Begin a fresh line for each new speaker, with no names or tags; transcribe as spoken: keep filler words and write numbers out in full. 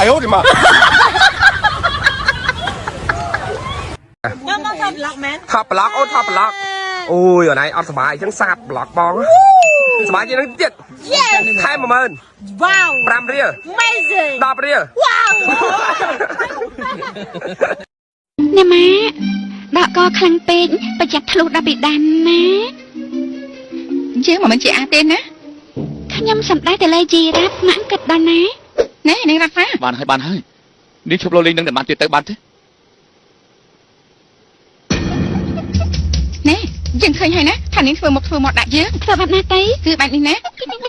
哎呦我的妈！
Nhớ mong thật lọc mến.
ថប់ប្លុកអូថប់ប្លុកអូយអូនឯងអត់សុបាយអញ្ចឹងសាបប្លុកបងសុបាយជាងនេះទៀត
Yes.
ខែ mộtម៉ឺន
Wow.
ប្រាំរៀល
Amazing.
ដប់រៀល
Wow.
អ្នកម៉ាដកកខ្លាំងពេកប្រយ័ត្នធ្លុះដល់បិដានណាយើងមិនមែនជាអាទេណាខ្ញុំសំដែងតែលេជីរ៉ាប់ម៉ាក់គិតដល់ណាណែនឹងរ៉ាប់បានហើយបានហើយនេះឈប់លោលេងនឹងតែបានទៀតទៅបានទេណែយើងឃើញហើយណាថានាងធ្វើមកធ្វើមកដាក់យើងធ្វើបែបណាទៅគឺបែបនេះណា